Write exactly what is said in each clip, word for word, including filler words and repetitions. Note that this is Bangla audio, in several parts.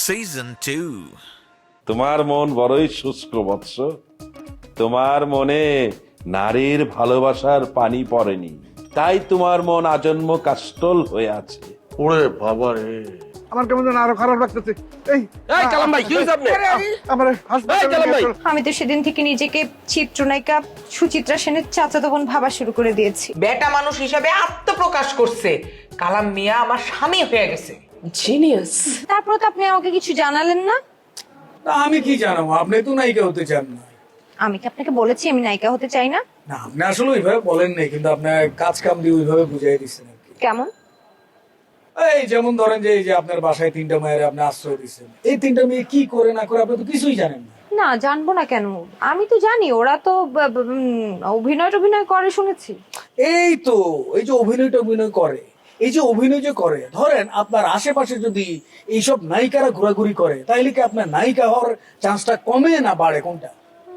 Season two. তোমার মন বড়ই শুষ্ক বৎস, তোমার মনে নারীর ভালোবাসার পানি পড়েনি, তাই তোমার মন আজন্ম কাষ্টল হয়ে আছে। ওরে বাবা রে, আমার কেমন যেন আরো খারাপ লাগতেছে। এই এই কালাম ভাই, কি হইছে আপনি? আমার এই কালাম ভাই, আমি তো সেদিন থেকে নিজেকে চিত্রনায়িকা সুচিত্রা সেনের চাচাতো বোন ভাবা শুরু করে দিয়েছি। বেটা মানুষ হিসাবে আত্মপ্রকাশ করছে, কালাম মিয়া আমার স্বামী হয়ে গেছে। জিনিয়াস। তারপর তো আপনি আমাকে কিছু জানালেন না। তা আমি কি জানাবো, আপনি তো নায়িকা হতে চান না। আমি কি আপনাকে বলেছি আমি নায়িকা হতে চাই না? না, আপনি আসলে ওইভাবে বলেন নাই, কিন্তু আপনার কাজ কাম দিয়ে ওইভাবে বুঝাই দিচ্ছেন আর কি। কেমন? এই যেমন ধরেন যে এই যে আপনার বাসায় তিনটা মেয়ের আপনি আশ্রয় দিচ্ছেন, এই তিনটা মেয়ে কি করে না করে আপনি তো কিছুই জানেন না। না, জানবো না কেন? আমি তো জানি ওরা তো ব- ব- উম, অভিনয় টভিনয় করে শুনেছি। এই তো এই যে অভিনয় অভিনয় করে, এই যে অভিনয় যে করে, ধরেন আপনার আশেপাশে যদি এইসব নায়িকারা ঘোরাঘুরি করে, তাইলে কি আপনার নায়িকা হওয়ার চান্সটা কমে না বাড়ে, কোনটা?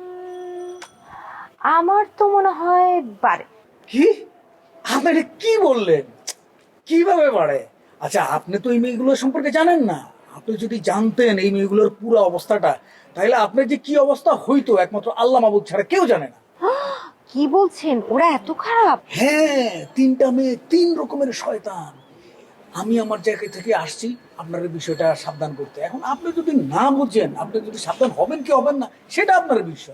আমার তো মনে হয় পারে। কি আপনি এটা কি বললেন? কিভাবে বাড়ে? আচ্ছা, আপনি তো এই মেয়েগুলোর সম্পর্কে জানেন না। আপনি যদি জানতেন এই মেয়েগুলোর পুরো অবস্থাটা, তাহলে আপনার যে কি অবস্থা হইতো একমাত্র আল্লাহ মাবুদ ছাড়া কেউ জানে না। কি বলছেন? ওরা এত খারাপ? হ্যাঁ, তিনটা মেয়ে তিন রকমের শয়তান। আমি আমার জায়গা থেকে আসছি আপনার এই বিষয়টা সাবধান করতে। এখন আপনি যদি না বুঝেন, আপনি যদি সাবধান হবেন কি হবেন না, সেটা আপনার বিষয়।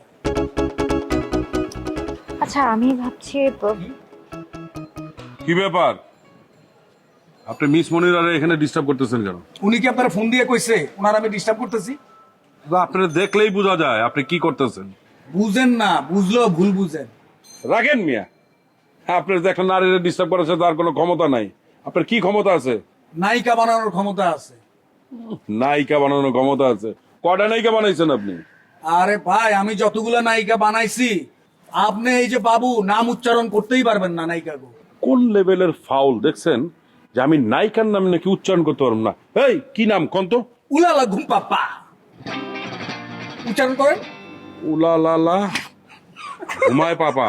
আচ্ছা, আমি ভাবছি ব- কি ব্যাপার, আপনি মিস মনিরারে এখানে ডিস্টার্ব করতেছেন কেন? উনি কি আপনার ফোন দিয়ে কইছে ওনার আমি ডিস্টার্ব করতেছি? আপনারা দেখলেই বোঝা যায় আপনি কি করতেছেন। বুঝেন না, বুঝলেও ভুল বুঝেন। রাখেন মিয়া, আপনার যে একটা নারীর ডিস্টার্ব করেছে তার কোনো ক্ষমতা নাই। আপনার কি ক্ষমতা আছে? নায়িকা বানানোর ক্ষমতা আছে। নায়িকা বানানোর ক্ষমতা আছে? কয়টা নায়িকা বানাইছেন আপনি? আরে ভাই, আমি যতগুলো নায়িকা বানাইছি, আপনি এই যে বাবু নাম উচ্চারণ করতেই পারবেন না নায়িকা গো। কোন লেভেলের ফাউল দেখছেন যে আমি নায়িকার নাম নাকি উচ্চারণ করতে পারবো না? এই কি নাম কোন তো? উলালা ঘুম পাপ্পা উচ্চারণ করেন। উলালালা ঘুমায় পাপা।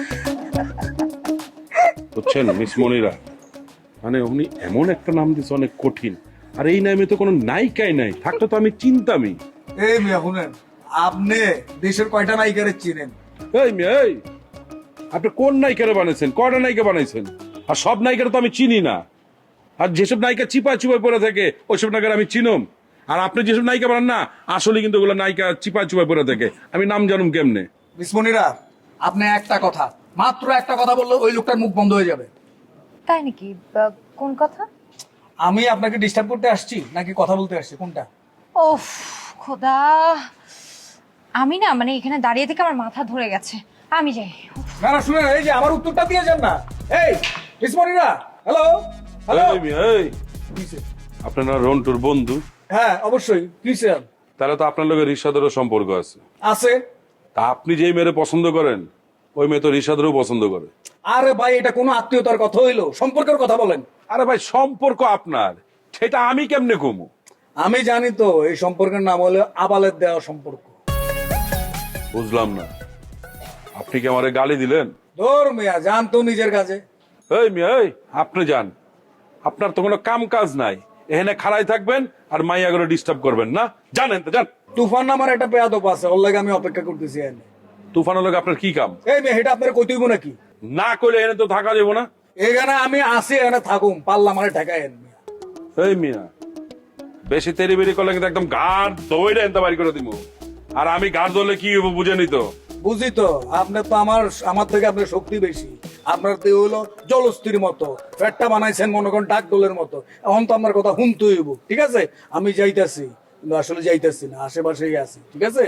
বুঝছেন মিস মনিরা, মানে উনি এমন একটা নাম দিচ্ছে অনেক কঠিন, আর এই নামে তো কোনো নায়িকাই নাই, থাকলে তো আমি চিন্তামি। এই মিয়া শুনেন, আপনি দেশের কয়টা নায়িকারে চিনেন? এই মেয়ে, এই আপনি কোন নায়িকারে বানাইছেন? কয়টা নায়িকা বানাইছেন? আর সব নায়িকারা তো আমি চিনি না। আর যেসব নায়িকা চিপা চিপা পড়ে থাকে ওইসব নায়িকার আমি চিনম। আর আপনি যেসব নায়িকা বানান না, আসলে কিন্তু ওগুলো নায়িকা চিপা চিপা পড়ে থাকে, আমি নাম জানুম কেমনে? মিস মনিরা, আপনি একটা কথা, মাত্র একটা কথা বললে ওই লোকটার মুখ বন্ধ হয়ে যাবে। তাই নাকি? বা- কোন কথা? আমি আপনাকে ডিস্টার্ব করতে আসছি নাকি কথা বলতে আসছি, কোনটা? ওফ খোদা, আমি না মানে এখানে দাঁড়িয়ে থেকে আমার মাথা ধরে গেছে। আমি যাই। না না, শুনেন, এই যে আমার উত্তরটা দিয়ে যান না। এই মিস মনিরা, হ্যালো হ্যালো। এই মেয়ে, এই আপনারা রন্টুর বন্ধু? হ্যাঁ অবশ্যই। কি স্যার? তাহলে তো আপনার লোকের রিশাদেরও সম্পর্ক আছে। আছে। তা আপনি যেই মেয়েরে পছন্দ করেন ওই মেয়ে তো রিশাদেরও পছন্দ করে। আরে ভাই, এটা কোনো আত্মীয়তার কথা হইলো? সম্পর্কের কথা বলেন। আরে ভাই, সম্পর্ক আপনার, সেটা আমি কেমনে কমু? আমি জানি তো, এই সম্পর্কের নাম হলো আবালের দেওয়া সম্পর্ক। বুঝলাম না, আপনি কি আমারে গালি দিলেন? ধর মিয়া, জান তো নিজের কাজে। এই মিয়া, এই আপনি যান, আপনার তো কোনো কাম কাজ নাই, এখানে খাড়াই থাকবেন আর মাইয়া করে ডিস্টার্ব করবেন না। জানেন তো যান। তুফান নামার একটা পেয়াদপ আছে, ওর লাগে আমি অপেক্ষা করতেছি এনে। তুফানের লোক আপনার কি কাম? এই মেয়ে, এটা আপনার কইতে হইব নাকি? না করলে এনে তো থাকা যাবো না। এখানে আমি আসি, এখানে থাকুম, পাল্লা মানে ঠেকায় এন মিয়া। এই মিয়া, বেশি তেরি বেরি করলে কিন্তু একদম গাঢ় দইটা এনতে বাড়ি করে দিব। আর আমি গাঢ় ধরলে কি হইব বুঝে নিত? বুঝি তো, আপনার তো আমার আমার থেকে আপনার শক্তি বেশি। আপনার দেহ হলো জলস্থির মতো, ফ্যাটটা বানাইছেন মনে করেন ডাক দোলের মতো। এখন তো আমার কথা শুনতে হইব, ঠিক আছে? আমি যাইতাছি, কিন্তু আসলে যাইতাছি না, আশেপাশেই আছি, ঠিক আছে?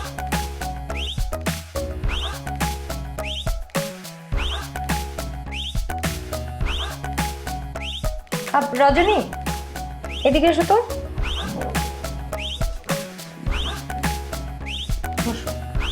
আপ- রজনী, এদিকে এসো তো। বসো।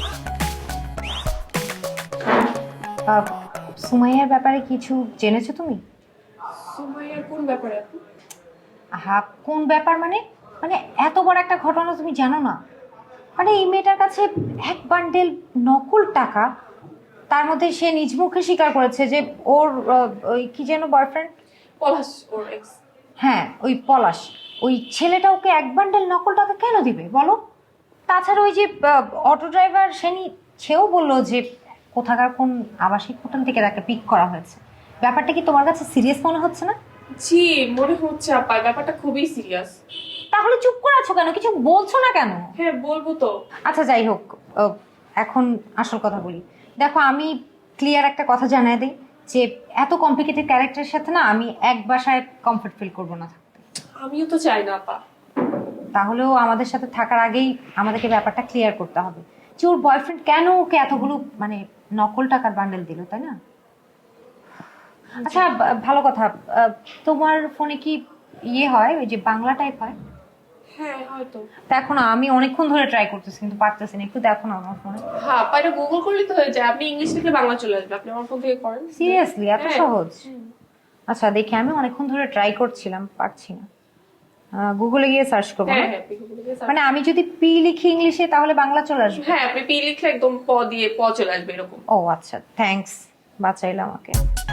আহ, সুমাইয়ার ব্যাপারে কিছু জেনেছো তুমি? সুমাইয়ার কোন ব্যাপারে আপু? হ্যাঁ, কোন ব্যাপার মানে? মানে এত বড় একটা ঘটনা তুমি জানো না? মানে এই মেয়েটার কাছে এক বান্ডেল নকল টাকা, তার মধ্যে সে নিজ মুখে স্বীকার করেছে যে ওর আহ, ওই কি যেন বয়ফ্রেন্ড পলাশ ওর এক্স। হ্যাঁ ওই পলাশ, ওই ছেলেটা ওকে এক বান্ডেল নকল টাকা কেন দিবে বলো? তাছাড়া ওই যে অটো ড্রাইভার সেনি, সেও বললো যে কোথাকার কোন আবাসিক হোটেল থেকে তাকে পিক করা হয়েছে। ব্যাপারটা কি তোমার কাছে সিরিয়াস মনে হচ্ছে না? জি মনে হচ্ছে আপা, ব্যাপারটা খুবই সিরিয়াস। তাহলে চুপ করে আছো কেন, কিছু বলছো না কেন? হ্যাঁ বলবো তো। আচ্ছা যাই হোক, আহ, এখন আসল কথা বলি। দেখো আমি ক্লিয়ার একটা কথা জানাই দিই যে এত কমপ্লিকেটেড ক্যারেক্টারের সাথে না আমি এক বাসায় কমফর্ট ফিল করবো না থাকতে। আমিও তো চাই না আপা। তাহলেও আমাদের সাথে থাকার আগেই আমাদেরকে ব্যাপারটা ক্লিয়ার করতে হবে যে ওর বয়ফ্রেন্ড কেন ওকে এতগুলো মানে নকল টাকার বান্ডেল দিল, তাই না? আচ্ছা বা- ভালো কথা, আহ, তোমার ফোনে কি ইয়ে হয় ওই যে বাংলা টাইপ হয়? হ্যাঁ হয়তো। দেখো না, আমি অনেকক্ষণ ধরে ট্রাই করতেছি কিন্তু পারতেছি না, একটু দেখো না আমার ফোনে। হ্যাঁ আপা, এটা গুগল করলে তো হয়ে যায়। আপনি ইংলিশ লিখলে বাংলা চলে আসবে, আপনি আমার ফোন থেকে করেন। সিরিয়াসলি এত হ্যাঁ। সহজ? আচ্ছা দেখি, আমি অনেকক্ষণ ধরে ট্রাই করছিলাম, পারছি না। গুগলে গিয়ে সার্চ করবো হ্যাঁ না? হ্যাঁ আপনি Google থেকে search- মানে আমি যদি পি লিখি ইংলিশে তাহলে বাংলা চলে আসবে? হ্যাঁ আপনি পি লিখলে একদম প দিয়ে প চলে আসবে এরকম। ও আচ্ছা, থ্যাঙ্কস, বাঁচাইলে আমাকে।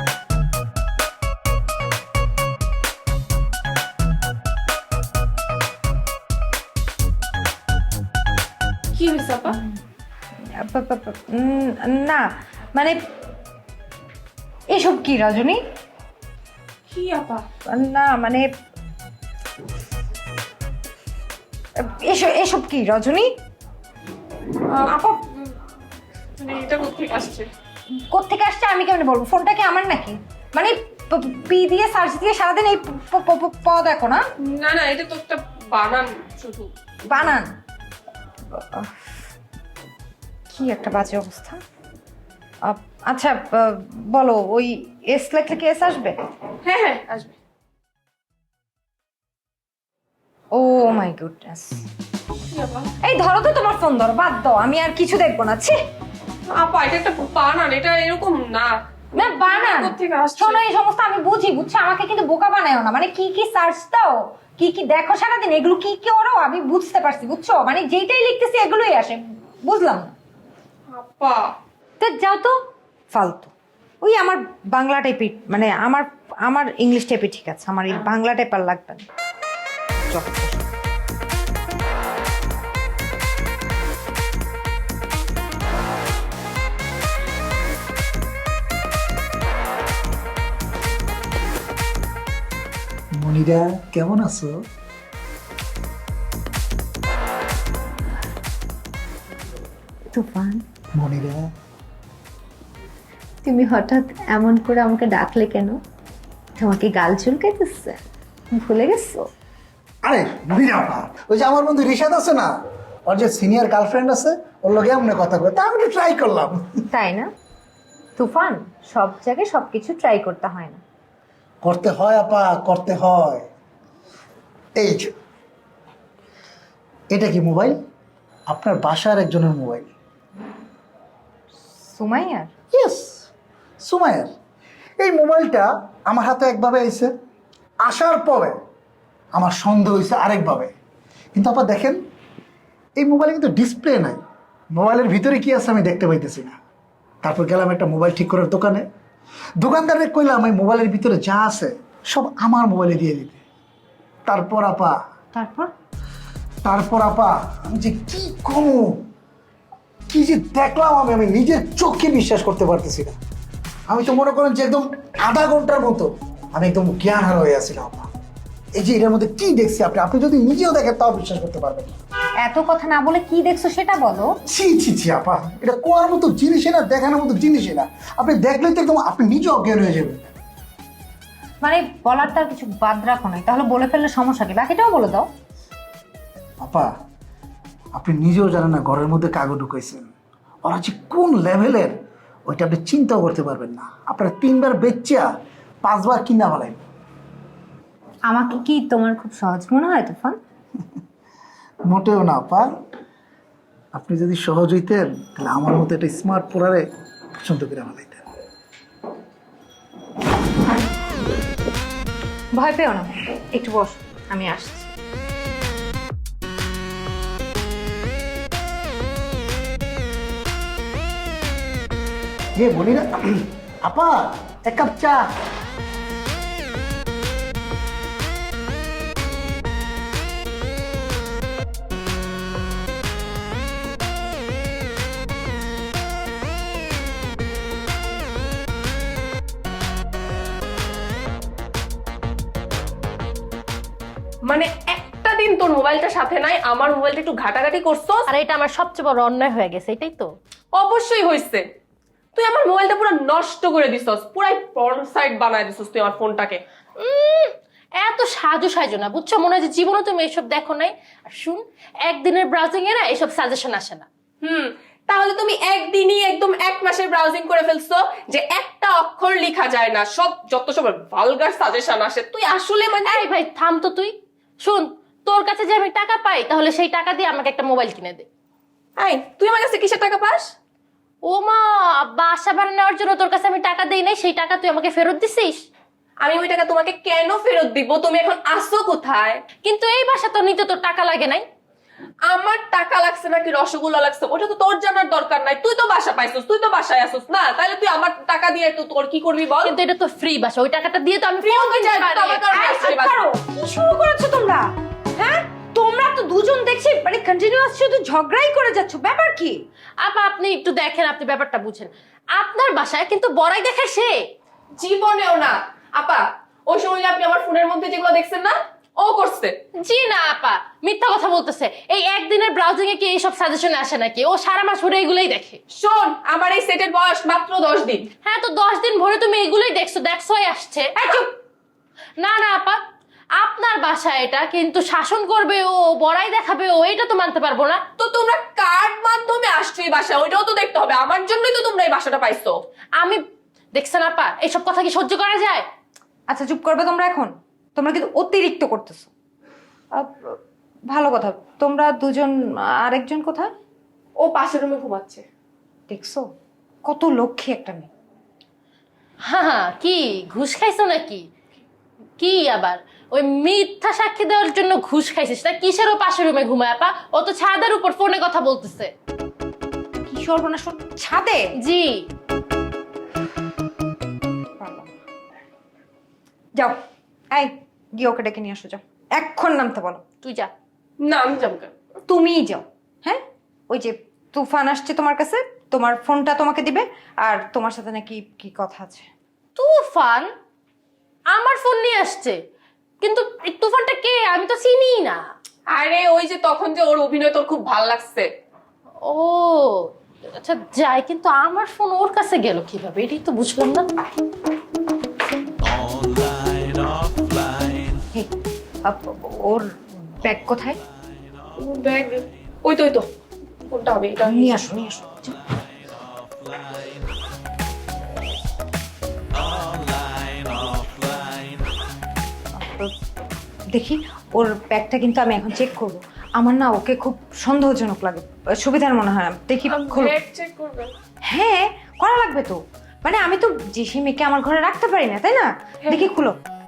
কি হয়েছে আপা? আপ- আপ- আপ- উম, না মানে এসব কি রজনী? কি আপা? না মানে এসব এসব কি রজনী? আহ, আপা উম, মানে এটা কোথেকে আসছে? কোত্থেকে আসছে আমি কেমনে বলবো? ফোনটা কি আমার নাকি? মানে প- পি দিয়ে সার্চ দিয়ে সারাদিন এই প- প- প- প দেখো না? না না, এটা তো একটা বানান শুধু। বানান? কি একটা বাজে অবস্থা। আহ, আচ্ছা আহ, বলো, ওই এস লেখলে কি এস আসবে? হ্যাঁ হ্যাঁ আসবে। Oh my goodness. কি আপা? এই ধরো তো তোমার ফোন, ধরো, বাদ দাও, আমি আর কিছু দেখবো না। ছি, আপা এটা একটা বানান, এটা এরকম না। না বানান কোত্থেকে আসছে? শোনো, এই সমস্ত আমি বুঝি, বুঝছো? আমাকে কিন্তু বোকা বানায়ও না। মানে কি কি সার্চ দাও, কি কি দেখো সারাদিন, এগুলো কি কি ওরও আমি বুঝতে পারছি, বুঝছো? মানে যেইটাই লিখতেছি এগুলোই আসে, বুঝলাম না। আপা তো যাও তো, ফালতু। ওই আমার বাংলা টাইপই, মানে আমার আমার ইংলিশ টাইপই ঠিক আছে, আমার এই বাংলা টাইপ আর লাগবে না। যত সব। মনিরা কেমন আছো? তুফান, মনিরা তুমি হঠাৎ এমন করে আমাকে ডাকলে কেন? তোমাকে গাল চুলকাইতেছে, ভুলে গেছো? আরে মনিরা আপা, ওই যে আমার বন্ধু রিশাদ আছে না, ওর যে সিনিয়র গার্লফ্রেন্ড আছে, ওর লগে এমনি কথা কয়, তা আমি একটু ট্রাই করলাম। তাই না? তুফান, সব জায়গায় সবকিছু ট্রাই করতে হয় না। করতে হয় আপা, করতে হয়। এই যে এটা কি মোবাইল? আপনার বাসার একজনের মোবাইল। সুমাইয়ার? ইয়েস, সুমাইয়ার। এই মোবাইলটা আমার হাতে একভাবে আইছে, আসার পরে আমার সন্দেহ হয়েছে আরেকভাবে। কিন্তু আপা দেখেন, এই মোবাইলে কিন্তু ডিসপ্লে নাই, মোবাইলের ভিতরে কি আছে আমি দেখতে পাইতেছি না। তারপর গেলাম একটা মোবাইল ঠিক করার দোকানে, দোকানদারে কইলাম এই মোবাইলের ভিতরে যা আছে সব আমার মোবাইলে দিয়ে দিতে। তারপর আপা তারপর? তারপর আপা আমি যে কি কমু, কি যে দেখলাম আমি আমি নিজের চোখে বিশ্বাস করতে পারতেছি না। আমি তো মনে করেন যে একদম আধা ঘন্টার মতো আমি একদম জ্ঞান হারা হয়ে আসছিলাম আপা। এই যে এটার মধ্যে কি দেখছি আপনি আপনি যদি নিজেও দেখেন তাও বিশ্বাস করতে পারবেন না। এত কথা না বলে কি দেখছো সেটা বলো। ছি ছি ছি আপা, এটা কোয়ার মতো জিনিসই না, দেখানোর মতো জিনিসই না। আপনি দেখলে তো একদম আপনি নিজে অজ্ঞান হয়ে যাবেন। মানে বলার তার কিছু বাদ রাখো নাই, তাহলে বলে ফেললে সমস্যা কি? বাকিটাও বলে দাও। আপা আপনি নিজেও জানেন না ঘরের মধ্যে কাগজ ঢুকাইছেন, ওরা যে কোন লেভেলের ওইটা আপনি চিন্তাও করতে পারবেন না। আপনারা তিনবার বেচ্চা পাঁচবার কিনা ফেলাইন। আমাকে কি তোমার খুব সহজ মনে হয় তুফান? মোটেও না আপা, আপনি যদি সহজ হইতেন তাহলে আমার মতো একটা স্মার্ট পোড়ারে পছন্দ করে ফেলাইতেন। ভয় পেও না, একটু বস, আমি আসছি। যে বলি না আপা, এক কাপ চা। মানে একটা দিন তোর মোবাইলটা সাথে নাই, আমার মোবাইলটা একটু ঘাটাঘাটি করছো। আর এটা আমার সবচেয়ে বড় অন্যায় হয়ে গেছে, এটাই তো। অবশ্যই হয়েছে, তুই আমার মোবাইলটা পুরো নষ্ট করে দিছস, পুরাই পর্ন সাইট বানায় দিছস তুই আমার ফোনটাকে। উম, এত সাজু সাজু না, বুঝছো? মনে হয় যে জীবনে তুমি এসব দেখো নাই। আর শুন, একদিনের ব্রাউজিং এ না এসব সাজেশন আসে না। হুম, তাহলে তুমি একদিনই একদম এক মাসের ব্রাউজিং করে ফেলছো যে একটা অক্ষর লেখা যায় না, সব যত সব ভালগার সাজেশন আসে। তুই আসলে মানে এই ভাই থাম তো তুই। শুন, তোর কাছে যে আমি টাকা পাই, তাহলে সেই টাকা দিয়ে আমাকে একটা মোবাইল কিনে দে। এই তুই আমার কাছে কিসের টাকা পাস? ও মা, বাসা বানানোর জন্য তোর কাছে আমি টাকা দেই নাই, সেই টাকা তুই আমাকে ফেরত দিছিস। আমি ওই টাকা তোমাকে কেন ফেরত দিব? তুমি এখন আসো কোথায়? কিন্তু এই বাসা তো নিতে তোর টাকা লাগে নাই। আমার টাকা লাগছে নাকি রসগোল্লা লাগছে ওটা তো তোর জানার দরকার নাই। তুই তো বাসা পাইছস, তুই তো বাসায় আসছস না, তাহলে তুই আমার টাকা দিয়ে তো তোর কি করবি বল? কিন্তু এটা তো ফ্রি বাসা, ওই টাকাটা দিয়ে তো আমি Free ফোন হতে কিনতে চাই, পারি। তো আমার কারণে এই, আসছে চুপ বাসা। করো। কি শুরু করেছো তোমরা? হ্যাঁ, তোমরা তো দুজন দেখছি মানে কন্টিনিউয়াস শুধু ঝগড়াই করে যাচ্ছ, ব্যাপার কি? আপা আপনি একটু দেখেন, আপনি ব্যাপারটা বুঝেন। আপনার বাসায় কিন্তু বড়াই দেখে সে। জীবনেও না আপা, ওই সময় আপনি আমার ফোনের মধ্যে যেগুলো দেখছেন না, ও করছে। জি না আপা, মিথ্যা কথা বলতেছে। এই একদিনের ব্রাউজিং এ কি এইসব সাজেশন আসে নাকি? ও সারা মাস ভরে এগুলোই দেখে। শোন, আমার এই সেটের বয়স মাত্র দশ দিন। হ্যাঁ, তো দশ দিন ভরে তুমি এগুলোই দেখছো, দেখছোই আসছে। এই চুপ। না না আপা, আপনার বাসা এটা, কিন্তু শাসন করবে ও, বড়াই দেখাবে ও, এটা তো মানতে পারবো না। তো তোমরা কার মাধ্যমে আসছো এই বাসা, ওইটাও তো দেখতে হবে। আমার জন্যই তো তোমরা এই বাসাটা পাইছো। আমি দেখছেন আপা, এইসব কথা কি সহ্য করা যায়? আচ্ছা চুপ করবে তোমরা এখন? তোমরা কিন্তু অতিরিক্ত করতেছো। আহ, ভালো কথা, তোমরা দুজন, আরেকজন কোথায়? ও পাশের রুমে ঘুমাচ্ছে। দেখছো কত লক্ষ্মী একটা মেয়ে। হ্যাঁ হ্যাঁ, কি ঘুষ খাইছো নাকি? কি আবার ওই মিথ্যা সাক্ষী দেওয়ার জন্য ঘুষ খাইছিস না? কিসের ও পাশের রুমে ঘুমায় আপা? ও তো ছাদের উপর ফোনে কথা বলতেছে। কি সর্বনাশ, ওর ছাদে? জি। পারলাম না। যাও, এই গিয়ে ওকে ডেকে নিয়ে আসো, যাও এক্ষণ নামতে বলো। তুই যা। না আমি যাবো কেন? তুমিই যাও। হ্যাঁ, ওই যে তুফান আসছে তোমার কাছে, তোমার ফোনটা তোমাকে দিবে, আর তোমার সাথে নাকি কি কথা আছে। তুফান আমার ফোন নিয়ে আসছে, কিন্তু এই তুফানটা কে? আমি তো চিনি না। আরে ওই যে তখন যে ওর অভিনয় তোর খুব ভালো লাগছে। ও আচ্ছা যাই, কিন্তু আমার ফোন ওর কাছে গেল কিভাবে, এটাই তো বুঝলাম না। হে, আপ- ওর ব্যাগ কোথায়? ব্যাগ ওই তো ওই তো, কোনটা হবে এটা? নিয়ে আসো, নিয়ে আসো, যাও। দেখি ওর ব্যাগটা, কিন্তু আমি এখন চেক করবো। আমার না ওকে খুব সন্দেহজনক লাগে, সুবিধার মনে হয় না। দেখি খোলো। ব্যাগ চেক করবেন? হ্যাঁ, করা লাগবে তো। মানে আমি তো যে সেই মেয়েকে আমার ঘরে রাখতে পারি না, তাই না? দেখি খুলো।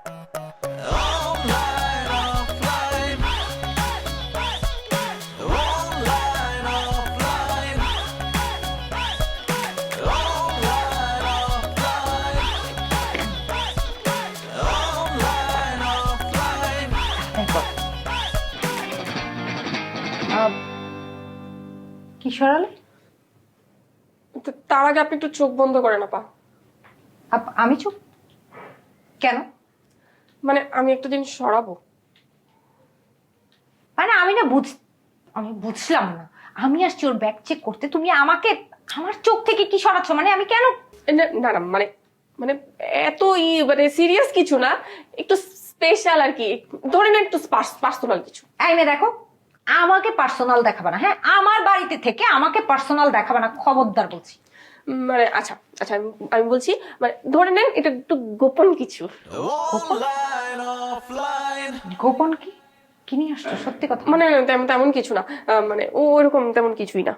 আহ, কি সরালে? তো তার আগে আপনি একটু চোখ বন্ধ করেন আপা। আপ- আমি চুপ কেন? মানে আমি একটা জিনিস সরাবো। মানে আমি না বুঝ আমি বুঝলাম না। আমি আসছি ওর ব্যাগ চেক করতে, তুমি আমাকে আমার চোখ থেকে কি সরাচ্ছ? মানে আমি কেন? না না না, মানে মানে এত ই মানে সিরিয়াস কিছু না, একটু স্পেশাল আর কি, ধরে না একটু পার্সোনাল কিছু। এই মেয়ে দেখো, আমাকে পার্সোনাল দেখাবে না। হ্যাঁ, আমার বাড়িতে থেকে আমাকে পার্সোনাল দেখাবে না, খবরদার বলছি। উম, মানে আচ্ছা আচ্ছা আমি আমি বলছি, মানে ধরে নেন এটা একটু গোপন কিছু। গোপন কি? কি নিয়ে আসছো? সত্যি কথা। মানে তেমন তেমন কিছু না, আহ, মানে ও ওরকম তেমন কিছুই না।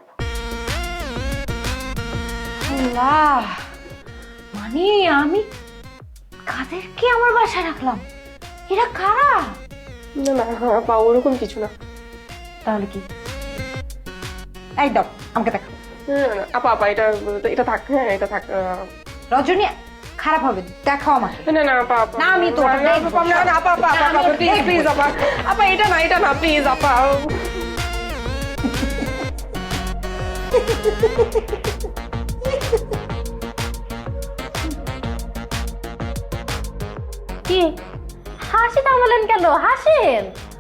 আল্লাহ, মানে আমি কাদেরকে আমার বাসায় রাখলাম? এরা কারা? না না হ্যাঁ, পা ওরকম কিছু না। তাহলে কি? এই দাও আমাকে দেখো। না না, না আপা আপা এটা এটা থাক, হ্যাঁ এটা থাক। আহ, রজনী খারাপ হবে, দেখাও আমাকে। না না আপা আপা, না, আমি তো ওটা না, দেখবো। না, না, আপা আপা না, আমি আপা ওটা প্লিজ দেখবো। প্লিজ আপা আপা, এটা না এটা না প্লিজ আপা। কি হাসি থামালেন কেন? হাসেন।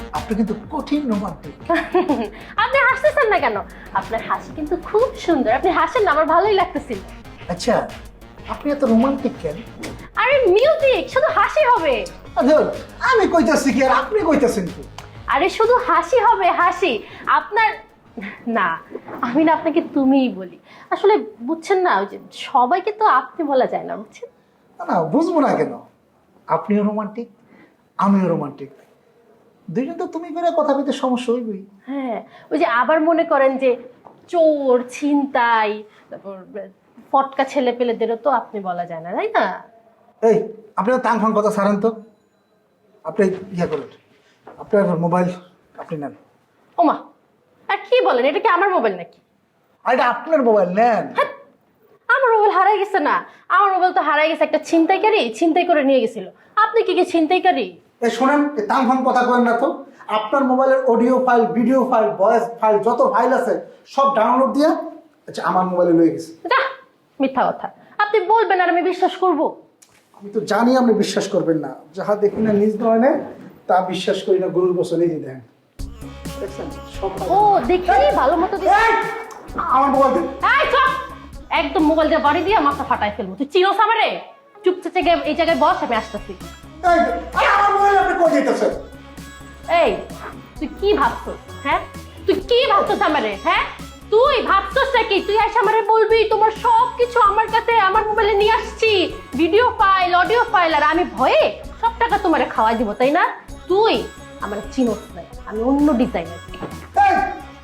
আপনি কিন্তু কঠিন রোমান্টিক। আপনি হাসতেছেন না কেন? আপনার হাসি কিন্তু খুব সুন্দর, আপনি হাসেন না, আমার ভালোই লাগতেছিল। আচ্ছা, আপনি এত রোমান্টিক কেন? আরে মিউজিক, শুধু হাসি হবে। আচ্ছা, আমি কইতাছি কি আর আপনি কইতাছেন কি? আরে শুধু হাসি হবে, হাসি। আপনার না, আমি না আপনাকে তুমিই বলি। আসলে বুঝছেন না, ওই যে সবাইকে তো আপনি বলা যায় না, বুঝছেন? না না, বুঝবো না কেন? আপনিও রোমান্টিক, আমিও রোমান্টিক, দুইজন তো তুমি করে কথা বলতে সমস্যা হইবই। হ্যাঁ, ওই যে আবার মনে করেন যে চোর, ছিনতাই, তারপর ফটকা ছেলে পেলেদেরও তো আপনি বলা যায় না, তাই না? এই, আপনি তাং ফাং কথা ছাড়েন তো। আপনি ইয়া করেন, আপনার মোবাইল আপনি নেন। ওমা, আর কি বলেন? এটা কি আমার মোবাইল নাকি? আর এটা আপনার মোবাইল, নেন। হ্যাঁ, আমার মোবাইল হারাই গেছে না। আমার মোবাইল তো হারাই গেছে একটা ছিনতাইকারী ছিনতাই করে নিয়ে গেছিল। আপনি কি কি ছিনতাইকারী? এই শোনেন, এই তাং ফাং কথা করেন না তো। আপনার মোবাইলের audio file, video file, voice file, যত ফাইল আছে সব ডাউনলোড দিয়ে আচ্ছা আমার মোবাইলে লয়ে গেছে। যা, মিথ্যা কথা। আপনি বলবেন আর আমি বিশ্বাস করব? আমি তো জানি আপনি বিশ্বাস করবেন না। যাহা দেখি না নিজ নয়নে তা বিশ্বাস করি না, গরুর বছর এই যে দেখেন, দেখছেন সব ও দেখি ভালো মতো দিছি। এই, আমার মোবাইল দেন। এই চুপ! একদম মোবাইল দিয়ে বাড়ি দিয়ে মাথা ফাটাই ফেলবো। তুই চিনোস আমারে? চুপচাপ গিয়ে এই জায়গায় বস, আমি আসতেছি। এই, আরে আমার মোবাইল আপনি কই দিতেছেন? এই, তুই কি ভাবছস? হ্যাঁ, তুই কি ভাবছস আমারে? হ্যাঁ, তুই ভাবছস নাকি তুই এসে আমারে বলবি তোমার সব কিছু আমার কাছে আমার মোবাইলে নিয়ে আসছি, ভিডিও ফাইল, অডিও ফাইল, আর আমি ভয়ে সব টাকা তোমারে খাওয়াই দিব, তাই না? তুই আমার চিনোস না, আমি অন্য ডিজাইনার। এই,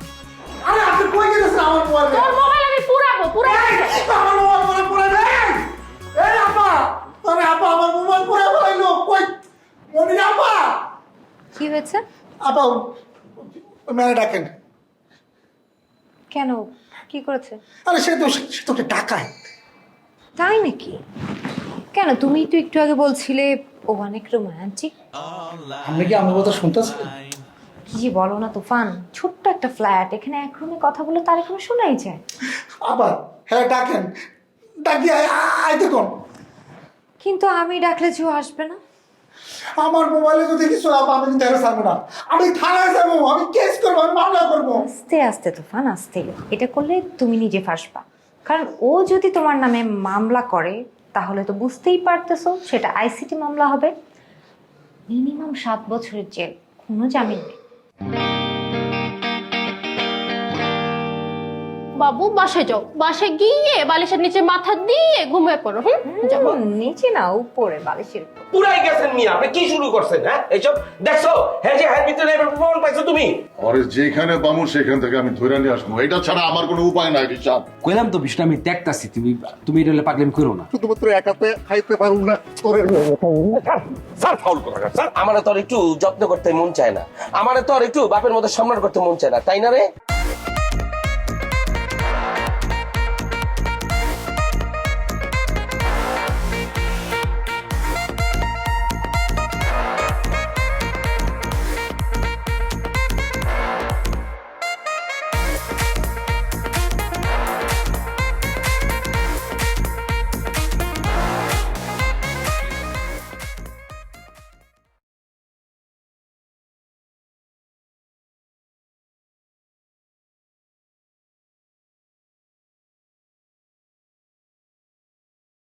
আরে আপনি কই দিতেছেন আমার মোবাইল? তোর মোবাইল আমি পুরাবো, পুরাবো। আমার মোবাইল পরে পরে দেন। এই আপা, আরে আপা আমার মোবাইল পরে ফেলাইলো। কই মনি আপা? কি হয়েছে? আপা মেরে ডাকেন। কেন, কি করেছে? আরে সে তো সে তো একটা ডাকায়। তাই নাকি? কেন, তুমি তো একটু আগে বলছিলে ও অনেক রোমান্টিক। আপনি কি আমার কথা শুনতেছেন? কি যে বলো না তুফান, ছোট্ট একটা ফ্ল্যাট, এখানে এক রুমে কথা বলে তার এখানে শোনাই যায়। আবার হ্যাঁ ডাকেন, ডাকি আইতে কোন। কিন্তু আমি ডাকলে যে ও আসবে না। আমার মোবাইলে যদি কিছু আপা আমি কিন্তু হেরে ছাড়বো না। আমি থানায় যাবো, আমি কেস করবো, আমি মামলা করবো। আস্তে আস্তে তুফান, আস্তে। এটা করলে তুমি নিজে ফাঁসবা, কারণ ও যদি তোমার নামে মামলা করে তাহলে তো বুঝতেই পারতেছো সেটা আইসিটি মামলা হবে, মিনিমাম সাত বছরের জেল, কোনো জামিন নেই। বাবু বাসায় যাও, বাসায় গিয়ে বালিশের নিচে মাথা দিয়ে ঘুমিয়ে পড়ো। হুম, যাবো। হুম, নিচে না, উপরে বালিশের উপর। পুরাই গেছেন মিয়া, আপনি কি শুরু করছেন? হ্যাঁ, এইসব দেখছো? হ্যাঁ, যে হ্যাঁ ভিতরে এবার প্রমাণ পাইছো তুমি? আরে যেখানে পামু সেখান থেকে আমি ধরে নিয়ে আসবো, এটা ছাড়া আমার কোনো উপায় নাই রিচার্ড। কইলাম তো বিষয়টা আমি দেখতাছি, তুমি তুমি এটা পাগলামি করো না। শুধুমাত্র একাতে খাইতে পারুম না তোরে। স্যার ফাউল করা স্যার, আমারে তো আর একটু যত্ন করতে মন চায় না, আমারে তো আর একটু বাপের মতো সম্মান করতে মন চায় না, তাই না রে?